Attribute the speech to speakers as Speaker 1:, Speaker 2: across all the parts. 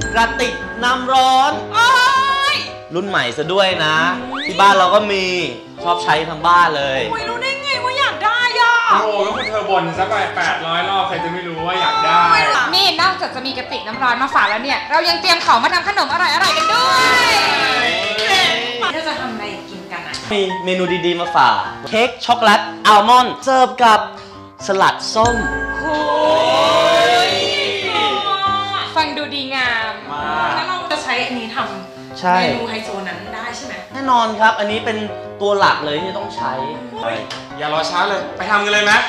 Speaker 1: กระติกน้ำร้อนรุ่นใหม่ซะด้วยนะที่บ้านเราก็มีชอบใช้ทั้งบ้านเลย
Speaker 2: รู้ได้ไงว่าอยากได้อ่ะ
Speaker 3: โอ้ก็คุณเธอบ่นซะไป800 รอบใครจะไม่รู้ว่าอยากได้
Speaker 2: นี่นอกจากจะมีกระติกน้ำร้อนมาฝากแล้วเนี่ยเรายังเตรียมของมาทำขนมอร่อยๆกันด้วยเราจะทำอะไรกินกันอ่ะ
Speaker 1: มีเมนูดีๆมาฝากเค้กช็อกโกแลตอัลมอนด์เสิร์ฟกับสลัดส้ม
Speaker 2: ฟังดูดีงามแล้วเราจะใช้อันนี้ทำเมนูไฮโซนั้นได้ใช่ไหม
Speaker 1: แน่นอนครับอันนี้เป็นตัวหลักเลยที่ต้องใช้
Speaker 3: อย่ารอช้าเลยไปทำกันเลยไหม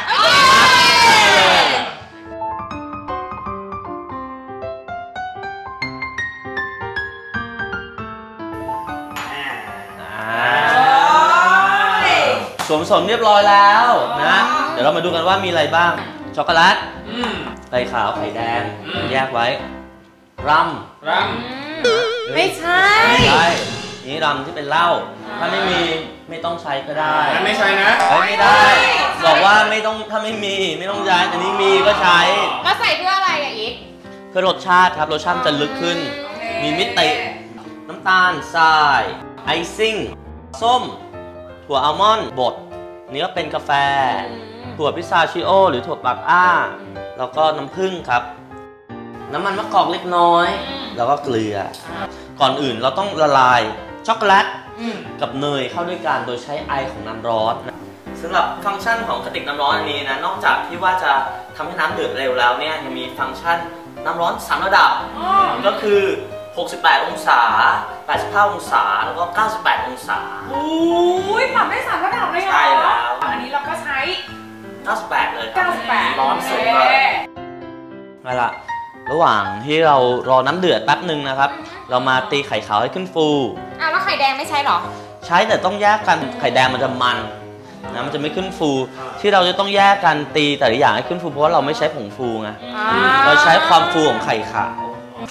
Speaker 1: สวมสมเรียบร้อยแล้วนะเดี๋ยวเรามาดูกันว่ามีอะไรบ้างช็อกโกแลตไข่ขาวไข่แดงแยกไว้รัม
Speaker 2: ไม่ใช่
Speaker 1: นี่รัมที่เป็นเหล้าถ้าไม่ต้องใช้ก็ได้
Speaker 3: ไม่ใช่นะ
Speaker 1: ไม่ได้บอกว่าไม่ต้องถ้าไม่มีไม่ต้องใช้อันนี้มีก็ใช้
Speaker 2: มาใส่เพื่ออะไรอ่ะอีก
Speaker 1: เพื่อรสชาติครับรสชาติจะลึกขึ้นมีมิติน้ำตาลทรายไอซิ่งส้มถั่วอัลมอนด์บดนี่ก็เป็นกาแฟถั่วพิซาชิโอหรือถั่วปักอ้าแล้วก็น้ำผึ้งครับน้ำมันมะกอกเล็กน้อยแล้วก็เกลือก่อนอื่นเราต้องละลายช็อกโกแลตกับเนยเข้าด้วยกันโดยใช้ไอของน้ำร้อนสำหรับฟังก์ชันของกระติกน้ำร้อนอันนี้นะนอกจากที่ว่าจะทำให้น้ำเดือดเร็วแล้วเนี่ยยังมีฟังก์ชันน้ำร้อน3ระดับก็คือ68 องศา85 องศาแล้วก็98 องศา
Speaker 2: โอ้ยปรับได้3ระดับเลยเหรอ
Speaker 1: ใช่แล้ว
Speaker 2: อันนี้เราก็ใช้
Speaker 1: 98เลย
Speaker 2: 98
Speaker 1: ร้อนสุดเลยนั่นแหละระหว่างที่เรารอน้ำเดือดแป๊บหนึ่งนะครับเรามาตีไข่ขาวให้ขึ้นฟู
Speaker 2: แล้วไข่แดงไม่ใช่หรอ
Speaker 1: ใช้แต่ต้องแยกกันไข่แดงมันจะมันนะมันจะไม่ขึ้นฟูที่เราจะต้องแยกกันตีแต่ละอย่างให้ขึ้นฟูเพราะว่าเราไม่ใช้ผงฟูไงเราใช้ความฟูของไข่ขาว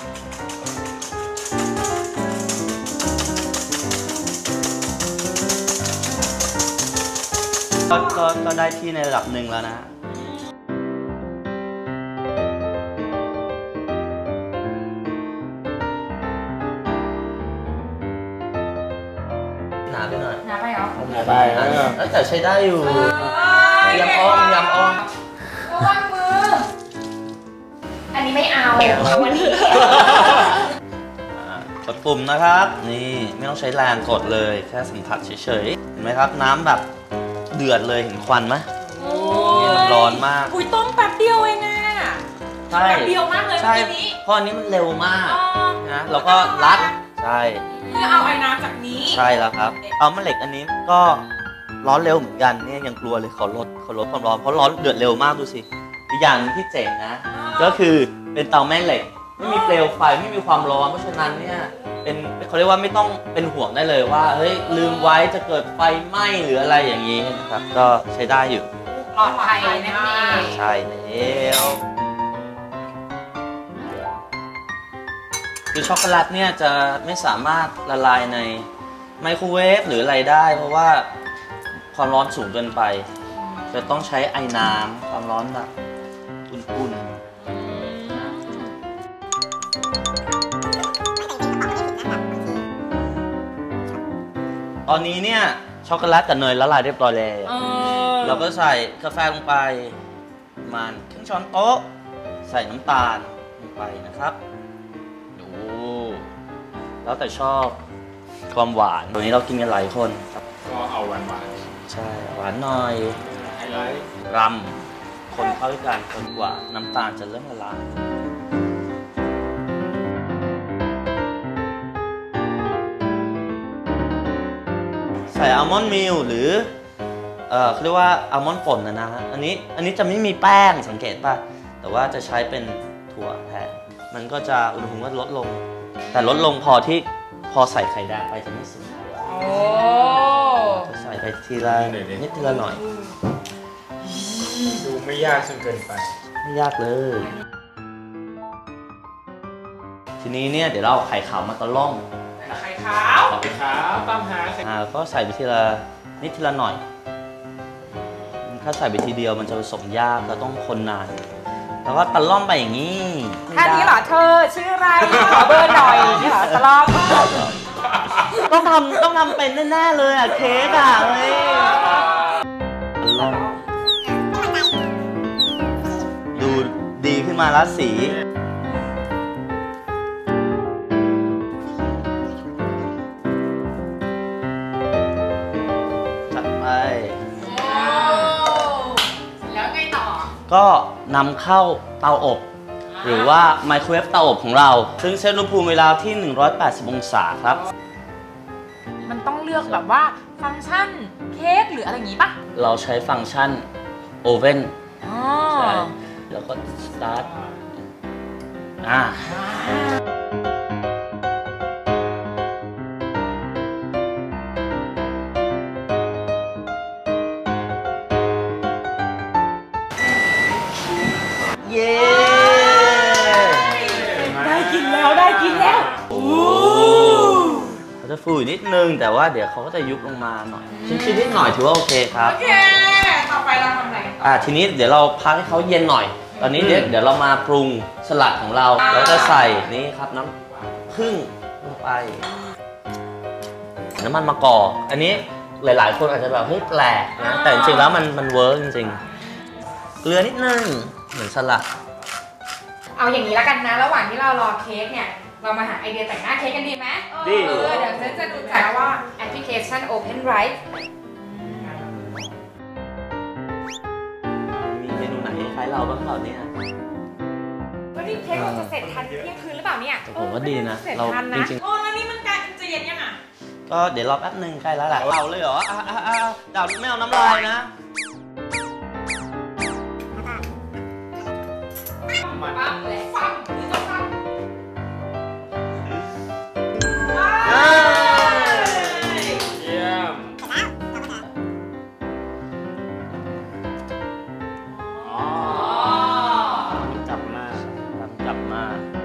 Speaker 1: ก็ได้ที่ในระดับหนึ่งแล้วนะหนาไปหน่อย
Speaker 2: หนาไปเหรอ
Speaker 1: หนาไปแต่ใช้ได้อยู่ยำอ้อมระวังมือ
Speaker 2: อันนี้ไม่เอาวันนี้
Speaker 1: กดปุ่มนะครับนี่ไม่ต้องใช้แรงกดเลยแค่สัมผัสเฉยๆเห็นไหมครับน้ำแบบเดือดเลยเห็นควันไหมนี่มันร้อนมาก
Speaker 2: อุ้ยต้มแป๊บเดียวเองอะ
Speaker 1: ใช่
Speaker 2: แป๊บเดียวมากเลย
Speaker 1: ใช่เพราะอันนี้มันเร็วมากนะแล้วก็รัดใช่
Speaker 2: เพื่อเอาไอ้น้ำจากนี้
Speaker 1: ใช่แล้วครับเอาแม่เหล็กอันนี้ก็ร้อนเร็วเหมือนกันเนี่ยยังกลัวเลยขอลดความร้อนเพราะร้อนเดือดเร็วมากดูสิอีกอย่างนึงที่เจ๋งนะก็คือเป็นเตาแม่เหล็กไม่มีเปลวไฟไม่มีความร้อนเพราะฉะนั้นเนี่ยเขาเรียกว่าไม่ต้องเป็นห่วงได้เลยว่าเฮ้ยลืมไว้จะเกิดไฟไหม้หรืออะไรอย่างนี้นะครับก็ใช้ได้อยู่
Speaker 2: ปลอดภัยนั่นเอง
Speaker 1: ใช่แล้วคือช็อกโกแลตเนี่ยจะไม่สามารถละลายในไมโครเวฟหรืออะไรได้เพราะว่าความร้อนสูงเกินไปจะต้องใช้ไอ้น้ำความร้อนแบบอุ่นๆตอนนี้เนี่ยช็อกโกแลตกับเนยละลายเรียบร้อยแล้วเราก็ใส่กาแฟลงไปประมาณครึ่งช้อนโต๊ะใส่น้ำตาลลงไปนะครับดูแล้วแต่ชอบความหวานตัวนี้เรากินกันหลายคนครับ
Speaker 3: ก็เอาหวาน
Speaker 1: ใช่หวานหน่อย
Speaker 3: ไฮไลท์
Speaker 1: รัมคนเข้าด้วยกันจนกว่าน้ำตาลจะเริ่มละลายใส่อัลมอนด์มิลหรือเขาเรียกว่าอัลมอนด์ป่นนะฮะอันนี้จะไม่มีแป้งสังเกตป่ะแต่ว่าจะใช้เป็นถั่วแทนมันก็จะอุณหภูมิก็ลดลงแต่ลดลงพอใส่ไข่แดงไปจะไม่สุกจะใส่ไปทีละนิดทีละหน่อย
Speaker 3: ดูไม่ยากจนเกินไป
Speaker 1: ไม่ยากเลยทีนี้เนี่ยเดี๋ยวเราเอาไข่ขาวมาตะล่อม
Speaker 2: ไข่ขาว
Speaker 3: ตามหา
Speaker 1: ก็ใส่ไปทีละนิดทีละหน่อยถ้าใส่ไปทีเดียวมันจะผสมยากเราต้องคนนานแล้วก็ตะล่อมไปอย่างนี้
Speaker 2: ท่านี้เหรอเธอชื่ออะไรขอเบอร์
Speaker 1: ต้องทำเป็นแน่ๆเลยอ่ะเค้กอ่ะเฮ้ยดูดีขึ้นมาแล้วสีจัดไป
Speaker 2: แล้วไงต่อ
Speaker 1: ก็นำเข้าเตาอบหรือว่าไมโครเวฟเตาอบของเราซึ่งเซตอุณหภูมิเวลาที่180องศาครับ
Speaker 2: มันต้องเลือกแบบว่าฟังก์ชันเค้กหรืออะไรอย่างงี้ปะ
Speaker 1: เราใช้ฟังก์ชันโอเว่นใช่แล้วก็สตาร์ทเย้
Speaker 2: ได้กินแล้วได้กินแล้ว
Speaker 1: เขาจะฟูนิดนึงแต่ว่าเดี๋ยวเขาก็จะยุบลงมาหน่อยชิ้นนิดหน่อยถือว่าโอเคครับ
Speaker 2: โอเคต่อไปเราทำอะไร
Speaker 1: ทีนี้เดี๋ยวเราพักให้เขาเย็นหน่อยตอนนี้เดี๋ยวเรามาปรุงสลัดของเราเราจะใส่นี่ครับน้ำผึ้งลงไปน้ำมันมะกอกอันนี้หลายๆคนอาจจะแบบเฮ้ยแปลกนะแต่จริงๆแล้วมันเวิร์กจริงๆเกลือนิดนึงเหมือนสลัด
Speaker 2: เอาอย่างนี้แล้วกันนะระหว่างที่เรารอเค้กเนี่ยเรามาหาไอเดียแต่งหน้าเค้กกันดีไหม
Speaker 1: ดี
Speaker 2: เดี๋ยวเซนจะดูจักว่าแอปพลิเคชัน OpenWrite
Speaker 1: มีเมนูไหนคล้ายเราบ้างเปล่าเนี่ย
Speaker 2: วันนี้เค้กเราจะเสร็จทันเที่ยงคืนหรือเปล่าเนี่ย
Speaker 1: ผมว่าดีนะเราจริง
Speaker 2: ๆแล้วนี่มันกลายเป็นจะเย็นยังอ่ะ
Speaker 1: ก็เดี๋ยวรอแป๊บนึงใกล้แล้วแหละเราเลยเหรอดาวไม่เอาน้ำลายนะ
Speaker 2: ปั๊บเลยฟังหรือจะฟัง
Speaker 3: เยี่ยมจับมา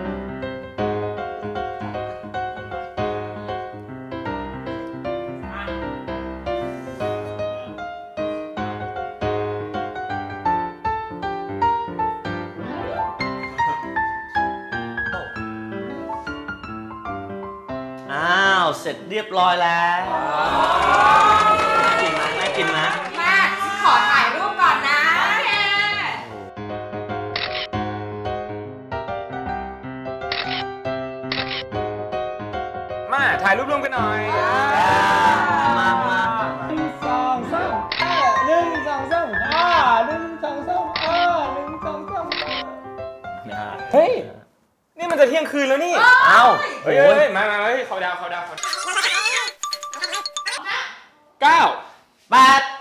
Speaker 1: เสร็จเรียบร้อยแล้วน่ากินไหม
Speaker 2: มาขอถ่ายรูปก่อนนะ
Speaker 3: มาถ่ายรูปร่วมกันหน่อย
Speaker 1: มา
Speaker 3: 1 2 3 1 2 3 1 2 3 เฮ้ยนี่มันจะเที่ยงคืนแล้วนี่เฮ้ยมาเขาดาว9 8